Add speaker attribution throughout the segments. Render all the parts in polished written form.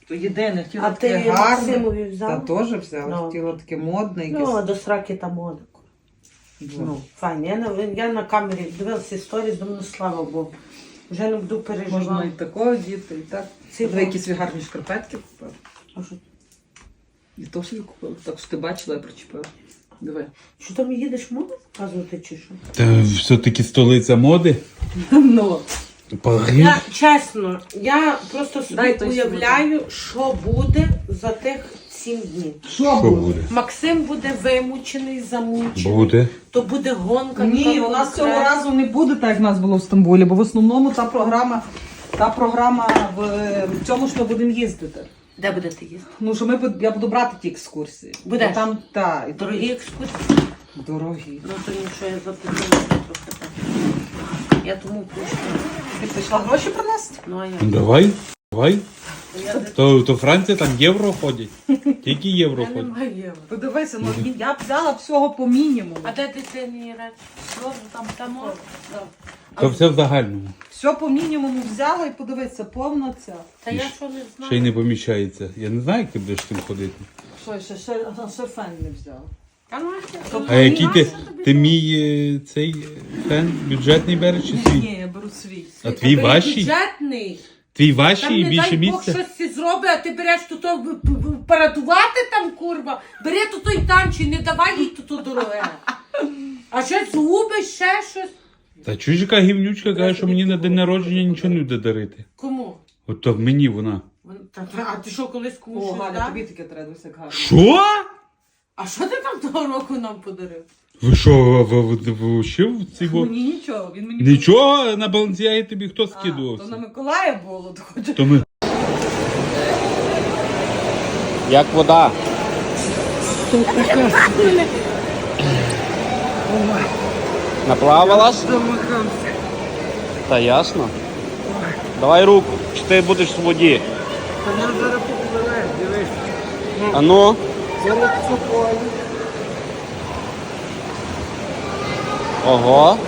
Speaker 1: То єдине, хотіла
Speaker 2: А
Speaker 1: таке
Speaker 2: ти
Speaker 1: гарне.
Speaker 2: Максимові взяв?
Speaker 1: Та теж взяла, хотіла таке модне якесь.
Speaker 2: Ну, до сраки та мода. Ну, файно. Я на камері дивилася сторіс, думаю, слава Богу. Вже не буду
Speaker 1: Можна і
Speaker 2: переживати.
Speaker 1: такого діти, і так.
Speaker 2: Ці
Speaker 1: Диви, які свої гарні шкарпетки купила.
Speaker 2: А що?
Speaker 1: І то собі купила. Так що ти бачила, я причепила. Диви.
Speaker 2: Що там їдеш моду показувати чи що?
Speaker 3: Та все-таки столиця моди.
Speaker 1: Ну.
Speaker 3: Париж.
Speaker 2: Я, чесно, я просто собі
Speaker 1: Дай той
Speaker 2: уявляю, що буде за тих 7 днів.
Speaker 3: Що буде?
Speaker 2: Максим буде вимучений, замучений.
Speaker 3: Буде.
Speaker 2: То буде гонка.
Speaker 1: Ні,
Speaker 2: така
Speaker 1: у нас цього
Speaker 2: конкретна.
Speaker 1: разу не буде так, як в нас було в Стамбулі, бо в основному та програма в цьому ж ми будемо їздити.
Speaker 2: Де будете їздити?
Speaker 1: Ну, що я буду брати ті екскурсії.
Speaker 2: Будеш?
Speaker 1: Бо там, і
Speaker 2: Дорогі екскурсії?
Speaker 1: Дорогі.
Speaker 2: Ну то нічого, я запитаю трохи так. Я тому пущу.
Speaker 1: Ти прийшла гроші принести?
Speaker 2: Ну а я.
Speaker 3: Ну, давай.
Speaker 2: Я,
Speaker 3: То Франція там євро ходять. Тільки євро
Speaker 2: я не
Speaker 3: ходять.
Speaker 2: маю євро.
Speaker 1: Подивися, ну я б взяла всього по мінімуму.
Speaker 2: А де дитині речі? Просто там?
Speaker 3: То все в загальному.
Speaker 1: Все по мінімуму взяла і подивися, повна ця.
Speaker 2: Та я що не знаю.
Speaker 3: Ще й не поміщається. Я не знаю, як ти будеш з тим ходити.
Speaker 1: Що, ще фен не взяла.
Speaker 2: Та ну,
Speaker 3: А який ти мій цей фен бюджетний береш чи свій?
Speaker 1: Ні, я беру свій.
Speaker 3: А твій ваший?
Speaker 2: Бюджетний.
Speaker 3: Твій
Speaker 2: Там
Speaker 3: ваший і
Speaker 2: не
Speaker 3: більше
Speaker 2: дай Бог
Speaker 3: місця?
Speaker 2: щось ці зробить, а ти береш тут парадувати там, курва. Бери тут той танчий, не давай їй тут дороге. А щось губиш, ще щось.
Speaker 3: Та чуєш, яка гівнючка каже, що мені на день народження нічого не буде дарити.
Speaker 2: Кому?
Speaker 3: От то мені вона.
Speaker 2: А ти що, колись
Speaker 1: О,
Speaker 2: комусь щось
Speaker 1: Галя,
Speaker 2: дав?
Speaker 1: тобі таке треба, дивися, як гарно.
Speaker 3: Що?
Speaker 2: А що ти там того року нам подарив?
Speaker 3: Ви що, ви ще в цій бо-
Speaker 1: Мені нічого, він мені...
Speaker 3: Нічого, на Балансіагі тобі хто
Speaker 1: То на
Speaker 3: скидувався?
Speaker 1: Миколая було, то хоче...
Speaker 3: То ми...
Speaker 4: Як вода. Наплавалась? Та ясно. Давай руку, чи ти будеш в воді. А ну. Ого.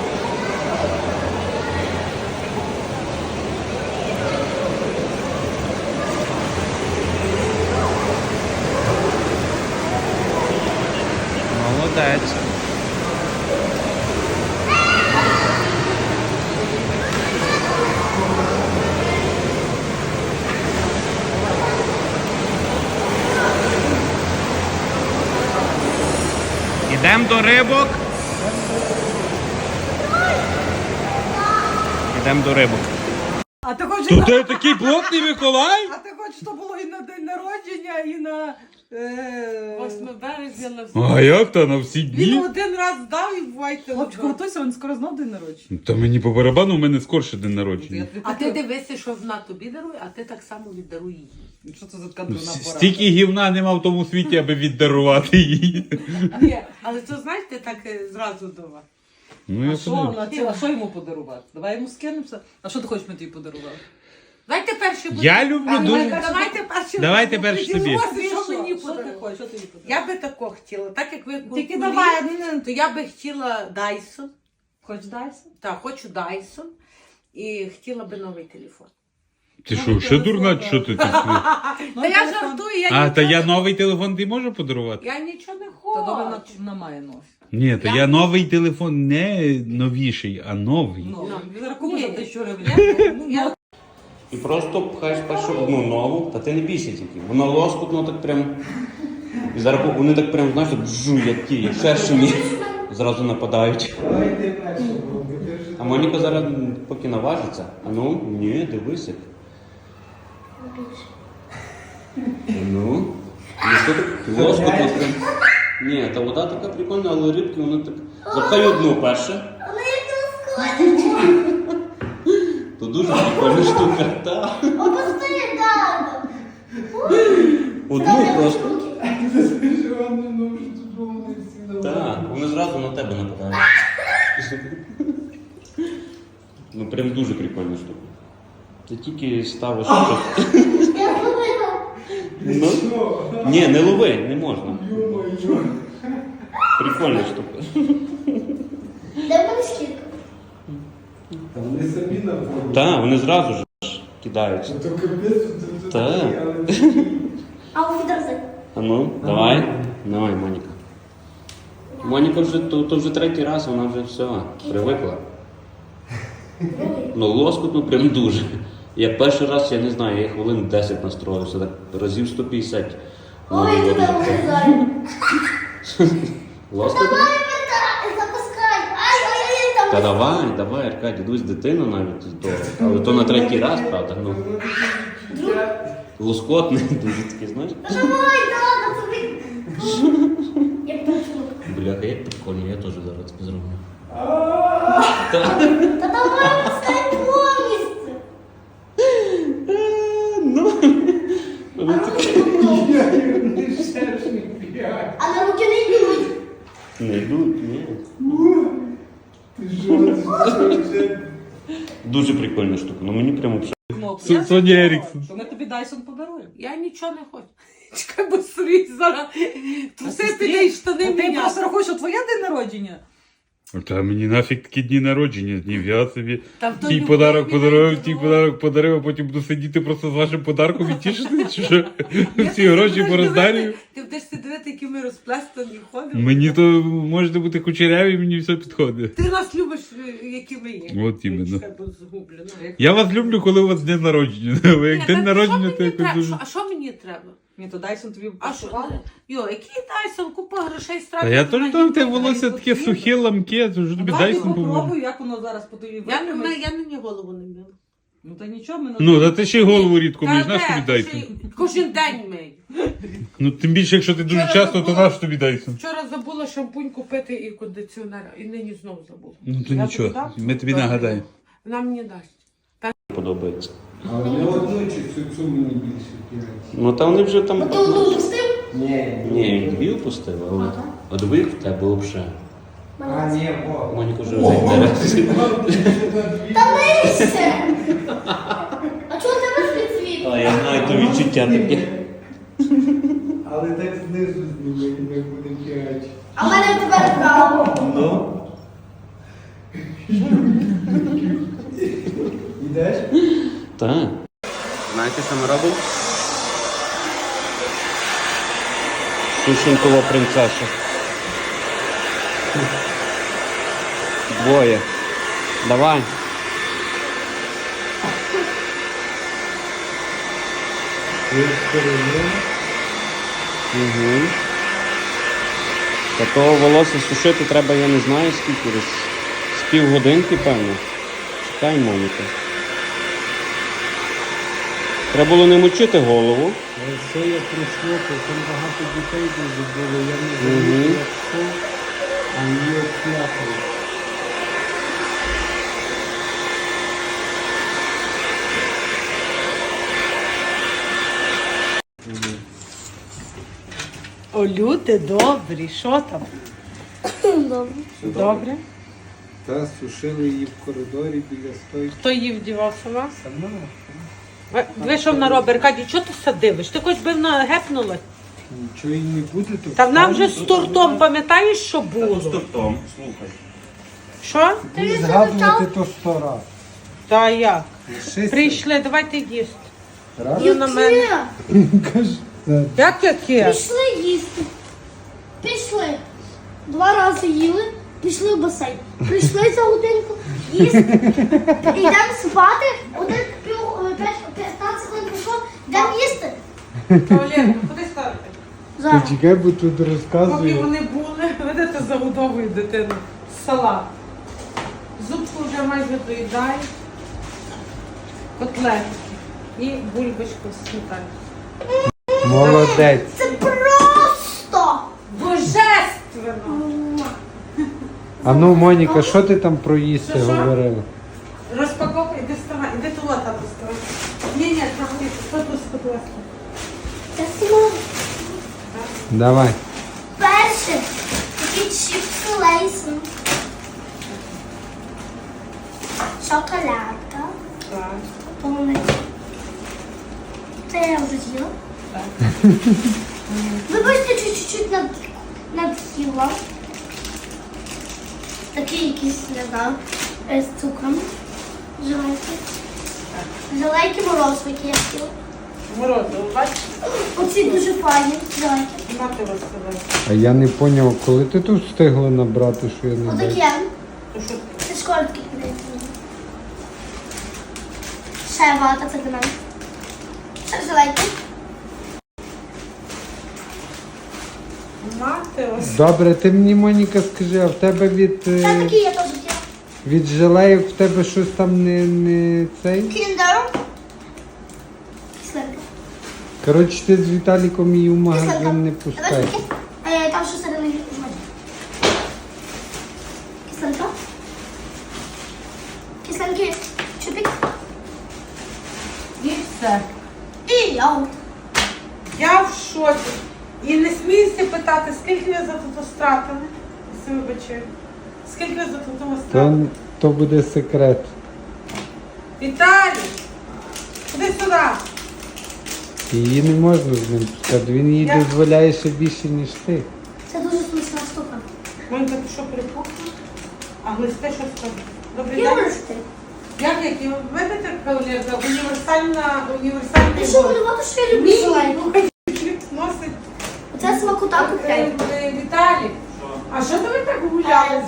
Speaker 4: Молодець. Ідемо до рибок. Ідемо до рибок.
Speaker 1: А ти хочеш...
Speaker 3: То ти такий плотний Миколай?
Speaker 1: А ти хочеш, щоб було і на день народження, і на...
Speaker 2: 8 березня на все.
Speaker 3: А як то на всі
Speaker 2: Він
Speaker 3: дні?
Speaker 2: один раз дав і бувайте.
Speaker 1: Хлопчик, готуйся, він скоро знов день народження.
Speaker 3: Та мені по барабану, у мене скорше день народження.
Speaker 2: А ти дивися, що вона тобі дарує, а ти так само віддаруй їй.
Speaker 1: Що це за така дурна порада?
Speaker 3: Стільки гівна нема в тому світі, аби віддарувати її.
Speaker 2: Ні, але то знаєш, ти так зразу дава.
Speaker 3: Ну,
Speaker 1: А
Speaker 3: я
Speaker 1: що,
Speaker 3: подивлюсь.
Speaker 1: а що йому подарувати? Давай йому скинемося. А що ти хочеш, ми тобі подарували?
Speaker 2: Давайте перші будемо.
Speaker 3: Я люблю дуже.
Speaker 2: Давайте перші
Speaker 3: Давайте
Speaker 2: будемо.
Speaker 3: перші
Speaker 2: Ти
Speaker 3: собі.
Speaker 2: говориш, що мені
Speaker 1: Що ти
Speaker 2: подарували.
Speaker 1: хочеш? Що ти їй подарував?
Speaker 2: Я би тако хотіла, так як ви
Speaker 1: Тільки
Speaker 2: куркулі,
Speaker 1: давай,
Speaker 2: то я би хотіла Dyson.
Speaker 1: Хочеш Дайсон?
Speaker 2: Так, хочу Dyson. І хотіла би новий телефон.
Speaker 3: Ти що, ще дурна, що ти так?
Speaker 1: Ну,
Speaker 2: Та я жартую, я
Speaker 3: А,
Speaker 2: нічого
Speaker 3: та я
Speaker 2: не-
Speaker 3: новий телефон ти можу подарувати?
Speaker 2: Я нічого не
Speaker 1: Та добре,
Speaker 2: хочу.
Speaker 1: вона має нос.
Speaker 3: Ні, то я новий телефон не новіший, а новий.
Speaker 1: Ну,
Speaker 2: Ну.
Speaker 1: він рахує за
Speaker 2: Ні.
Speaker 1: 1000 гривень.
Speaker 2: Я-
Speaker 4: І просто пхаєш першу одну ногу, та ти не бійся тільки. Воно лоскутно так прям. І зараз вони так прям, знаєш, так жу, як ті, шершені. Зразу нападають. А Моніка зараз поки наважиться. А ну, ні, дивися. Ну. І що так лоскутно прям. Ні, та вода така прикольна, але рибки вони так. Запхай одну перше. То дуже прикольна штука. Та. Одну просто. Так, вони зразу на тебе нападають. Ну прям дуже прикольна штука. Ти тільки ставиш щось. Ну, ні, не лови, не можна. Прикольна штука.
Speaker 5: Де вони скільки?
Speaker 4: Так, вони зразу ж. кидаються.
Speaker 5: То капець, то
Speaker 4: Так.
Speaker 5: такий, але
Speaker 6: А у відрази?
Speaker 4: А ну, давай. Давай, Моніка. Моніка вже, то вже третій раз, вона вже все, привикла. Ну, лоскутно прям дуже. Я перший раз, я не знаю, я хвилин 10 настроївся, так разів 150.
Speaker 6: Ой,
Speaker 4: Ну,
Speaker 6: туди вилізай.
Speaker 4: лоскутно?
Speaker 6: Давай, запускай. Ай,
Speaker 4: Та
Speaker 6: там.
Speaker 4: давай, Аркадій, дивись, дитина навіть, то, але то на третій раз, правда, ну. Лоскотний, дуже такий, знаєш.
Speaker 6: Давай, да, тобі. Як працює.
Speaker 4: Бляха, як прикольно, я теж зараз це зроблю.
Speaker 6: Та давай, пускай повністю. А на руки попробуй.
Speaker 5: не шершні п'ять.
Speaker 6: А на руки не йдуть.
Speaker 4: Не йдуть, ні.
Speaker 5: Ти що, це вже...
Speaker 4: Дуже прикольна штука, ну мені прямо взагалі.
Speaker 1: Кнопку.
Speaker 3: Соня
Speaker 1: Я сказала,
Speaker 3: Еріксон.
Speaker 1: що ми тобі Дайсон подаруємо.
Speaker 2: Я нічого не хочу. Чекай, бо срій зараз. Труси піде і штани
Speaker 1: Ти
Speaker 2: міняти.
Speaker 1: просто рахуєш, що твоє день народження.
Speaker 3: Та мені нафіг такі дні народження, днів. Я собі
Speaker 2: Та в той
Speaker 3: тій
Speaker 2: любові
Speaker 3: подарок
Speaker 2: не
Speaker 3: подарував,
Speaker 2: йде,
Speaker 3: тій
Speaker 2: ну.
Speaker 3: подарок подарив, а потім буду сидіти просто з вашим подарком і тішити, чи що? Всі гроші пороздарюю.
Speaker 2: Ти будеш дивити, які ми розплestaні ходимо.
Speaker 3: Мені то можете бути кучеряві, мені все підходить.
Speaker 2: Ти нас любиш, які ми є.
Speaker 3: От іменно.
Speaker 2: Чекай, бо згублю. Ну, як-
Speaker 3: Я вас люблю, коли у вас день народження. Бо
Speaker 2: Ні,
Speaker 3: як
Speaker 2: та
Speaker 3: день
Speaker 2: що
Speaker 3: народження,
Speaker 2: мені
Speaker 3: то якось
Speaker 2: треба?
Speaker 3: дуже.
Speaker 2: А що мені треба?
Speaker 1: Ні, то Дайсон тобі
Speaker 2: А що?
Speaker 1: подарував.
Speaker 2: Йо, який Дайсон, купа грошей
Speaker 3: Та
Speaker 2: стратив.
Speaker 3: я теж там те волосся таке сухе, ламке, то вже тобі
Speaker 1: Давай
Speaker 3: Дайсон поможе.
Speaker 1: попробуй, як воно зараз по тобі
Speaker 2: Я
Speaker 1: витримає.
Speaker 2: на ній голову не мила.
Speaker 1: Ну та нічого, ми
Speaker 3: Ну, та ти ще й голову рідко
Speaker 2: Та
Speaker 3: миєш, наш
Speaker 2: де?
Speaker 3: тобі Дайсон.
Speaker 2: Кожен день мию.
Speaker 3: Ну, тим більше, якщо ти дуже
Speaker 2: Вчора
Speaker 3: часто, то
Speaker 2: забула.
Speaker 3: наш тобі Дайсон.
Speaker 2: Вчора забула шампунь купити і кондиціонер, і нині знову забула.
Speaker 3: Ну, то
Speaker 1: Я
Speaker 3: нічого,
Speaker 1: тобі дам?
Speaker 3: ми тобі
Speaker 2: Добре.
Speaker 3: нагадаємо.
Speaker 2: Вона мені дасть.
Speaker 4: Подобається.
Speaker 5: Але не одну чи цю мені більше п'ять.
Speaker 4: Ну та вони вже там.
Speaker 6: А ти одну пустив?
Speaker 5: Ні.
Speaker 4: Ні, він дві опустив, але от ви в тебе взагалі.
Speaker 5: А, ні, бо.
Speaker 4: Моніка вже зайде.
Speaker 6: Та нижче. А чого тебе спецвіт?
Speaker 4: А я знаю, то відчуття таке.
Speaker 5: Але так знизу зніми, як буде п'ять.
Speaker 6: А в мене тепер право.
Speaker 4: Ну.
Speaker 5: Ідеш?
Speaker 4: Так. Знаєте, що ми робимо? Сушенкова принцеса. Двоє. Давай. Угу. Такого волосся сушити треба, я не знаю скільки, десь з півгодинки, певно. Чекай, Моніка. Треба було не мочити голову.
Speaker 5: Це я прийшло, то там багато дітей дуже було, я не
Speaker 4: Мгм.
Speaker 5: знаю, як що, а її обкляпали.
Speaker 2: О, люди добрі, що там?
Speaker 6: Добре.
Speaker 2: Добре.
Speaker 5: Та сушили її в коридорі біля стойки.
Speaker 2: Хто її вдівав сама?
Speaker 5: Сама.
Speaker 2: Ви що вона робить? Аркадій, чого ти садивиш? Ти хоч би вона гепнула?
Speaker 5: Нічого їй не буде, то
Speaker 2: Та вона вже
Speaker 5: встане,
Speaker 2: з тортом, пам'ятаєш, що було?
Speaker 4: Том, слухай.
Speaker 2: Що?
Speaker 5: Будеш згадувати то 100 раз.
Speaker 2: Та як?
Speaker 5: Лишися.
Speaker 2: Прийшли, давайте їсти.
Speaker 5: Раз.
Speaker 2: Ну, на мене.
Speaker 6: Яке?
Speaker 5: Каже, та
Speaker 2: Як яке?
Speaker 6: Пішли їсти. Пішли. 2 рази їли, пішли в басейн. Прийшли за годинку, їсти. Йдемо спати, 15 хвилин прийшло, йдемо їсти.
Speaker 2: Олег, куди ставити?
Speaker 6: Зараз.
Speaker 5: чекай, бо тут
Speaker 2: Поки
Speaker 5: розказує.
Speaker 2: вони були, видите, загодовують дитину. Салат. Зубку вже майже доїдають. Котлетки. І бульбочку з сметаною.
Speaker 5: Молодець.
Speaker 6: Це просто.
Speaker 2: Божественно!
Speaker 5: А ну, Моніка, що ти там про їсти
Speaker 2: Що-що?
Speaker 5: говорила?
Speaker 2: Розпаковка, іди вставай, іди туди там доставай. Ні, проходи, що тут з котлетки?
Speaker 6: Це слово.
Speaker 5: Давай.
Speaker 6: Перше. Такі чіпси лейсом. Шоколадка.
Speaker 2: Так.
Speaker 6: Полуничка. Це я вже з'їла. Вибачте, чуть-чуть над'їла. Такий якийсь, не знаю, з цукром. Вживайте. Желейки морозиво, які я хотіла.
Speaker 2: Морозиво, бачиш?
Speaker 6: Оці дуже файні желейки.
Speaker 2: Мати розказати.
Speaker 5: А я не зрозумів, коли ти тут встигла набрати, що я не бачу?
Speaker 6: Отакі.
Speaker 2: То що
Speaker 6: Це школа такі подається. Ще вата, це для мене. Ще желейки.
Speaker 2: мати ось.
Speaker 5: Добре, ти мені, Моніка, скажи, а в тебе
Speaker 6: Це такі я теж хотіла.
Speaker 5: від желеїв в тебе щось там не цей?
Speaker 6: Кіндер. Кислинка.
Speaker 5: Коротше, ти з Віталіком її в
Speaker 6: Кислинка.
Speaker 5: магазин не
Speaker 6: Давай
Speaker 5: пускай.
Speaker 6: таке. Там що середини жмать. Кислинка. Кислинки. Чупік.
Speaker 2: І все.
Speaker 6: І йогурт.
Speaker 2: Я в шоці. І не смійся питати, скільки ви за тут стратили. Якщо вибачаю. Скільки ви за тут
Speaker 5: То,
Speaker 2: стратили?
Speaker 5: то буде секрет.
Speaker 2: Віталій! Ходи сюди.
Speaker 5: Її не можна з ним пускати. Він їй
Speaker 2: Я-
Speaker 5: дозволяє ще більше, ніж ти.
Speaker 6: Це дуже смачна штука.
Speaker 2: Монька, ти що припухла? А глисти що скажу? Добрий
Speaker 6: Я
Speaker 2: день.
Speaker 6: рости.
Speaker 2: Як ви видите, кавалерка,
Speaker 6: Ти
Speaker 2: універсальний
Speaker 6: що
Speaker 2: борщ.
Speaker 6: малювати, що я люблю желейку?
Speaker 2: Носить
Speaker 6: Оце смакота купляй.
Speaker 2: Віталій. А що то ви так гуляли?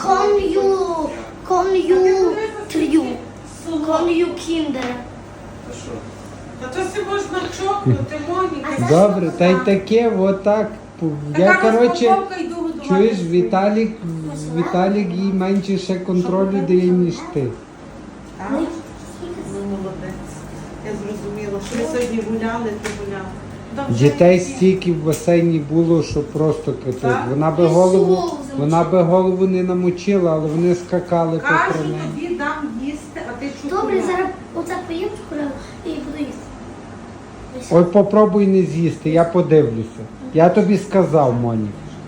Speaker 6: Кон'ю трю. Кон'ю кіндер.
Speaker 2: Та то си можна чокнути, Моніка.
Speaker 5: Добре, та й таке, отак. Я, коротше,
Speaker 2: розпаковка, йду годувати.
Speaker 5: чуєш, Віталік їй менше ще контролю дає, ніж ти.
Speaker 2: Так? Ну, молодець. Я зрозуміла, що ви сьогодні гуляли, ти гуляли. Добре,
Speaker 5: Дітей
Speaker 2: які?
Speaker 5: стільки в басейні було, що просто капець.
Speaker 2: Так?
Speaker 5: Вона би голову не намочила, але вони скакали по
Speaker 2: Кажу,
Speaker 5: неї.
Speaker 2: тобі дам їсти, а ти чукала.
Speaker 6: Добре, зараз оце поїм чоколаду і буду їсти.
Speaker 5: Ой, попробуй не з'їсти, я подивлюся. Я тобі сказав, Моні.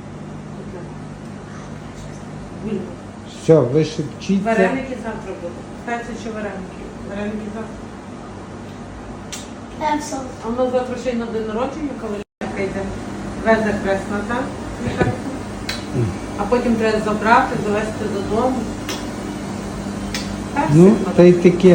Speaker 2: Гуляй.
Speaker 5: Все, ви шепчіться.
Speaker 2: Вареники завтра будуть. Питається, чи вареники. Вареники завтра.
Speaker 6: Все.
Speaker 2: А у нас завтра ще й на день народження, коли йде. Везе хресна, так? А потім треба забрати, довезти додому. Так,
Speaker 5: Ну,
Speaker 2: все,
Speaker 5: та й таке.
Speaker 2: та й таке.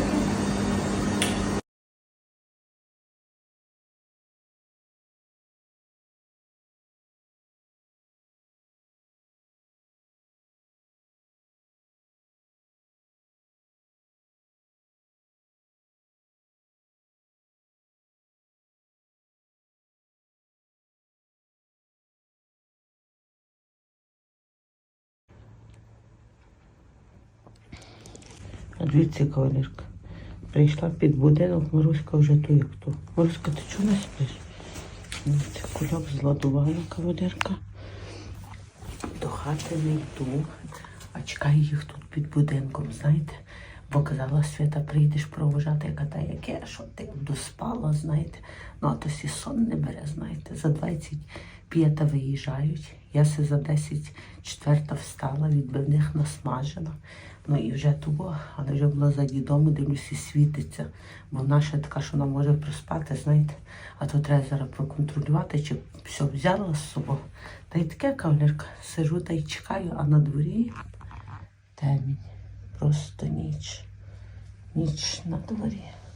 Speaker 2: А дивіться, кавалерка. Прийшла під будинок, Маруська вже ту як ту. Маруська, ти чого не спиш? Це кульок зладувала кавалерка. До хати не йду, а чекаю їх тут під будинком, знаєте. Бо казала, Свята, прийдеш провожати, яка та яке, що ти доспала, знаєте. Ну, а то сі сон не бере, знаєте. За 25 виїжджають. Я се за 10:04 встала, відбивних насмажена. Ну і вже того, але вже була за дідом, дивлюся, світиться. Бо вона ще така, що вона може проспати, знаєте. А то треба зараз проконтролювати, чи все взяла з собою. Та й таке, кавалерка, сижу та й чекаю, а на дворі темінь. Просто ніч. Ніч на дворі.